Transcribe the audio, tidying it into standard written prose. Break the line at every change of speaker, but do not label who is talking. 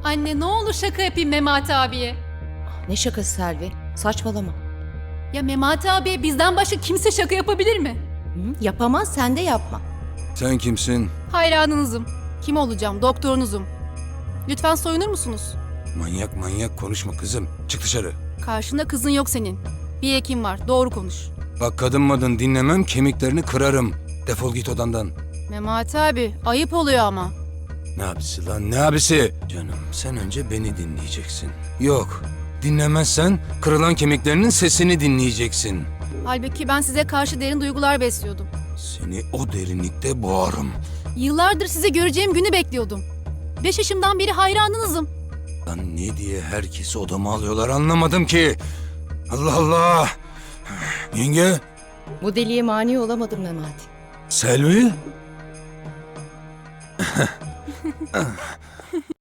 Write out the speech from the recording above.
Anne ne olur şaka yapayım Memati abiye.
Ne şakası Selvi? Saçmalama.
Ya Memati abiye bizden başka kimse şaka yapabilir mi?
Hı? Yapamaz, sen de yapma.
Sen kimsin?
Hayranınızım. Kim olacağım? Doktorunuzum. Lütfen soyunur musunuz?
Manyak manyak konuşma kızım. Çık dışarı.
Karşında kızın yok senin. Bir hekim var. Doğru konuş.
Bak kadın madın dinlemem, kemiklerini kırarım. Defol git odandan.
Memati abi ayıp oluyor ama.
Ne abisi lan, ne abisi? Canım sen önce beni dinleyeceksin. Yok, dinlemezsen kırılan kemiklerinin sesini dinleyeceksin.
Halbuki ben size karşı derin duygular besliyordum.
Seni o derinlikte boğarım.
Yıllardır sizi göreceğim günü bekliyordum. 5 yaşımdan beri hayranınızım.
Lan ne diye herkesi odama alıyorlar anlamadım ki. Allah Allah. Yenge,
Bu deliye mani olamadım Memati.
Selvi.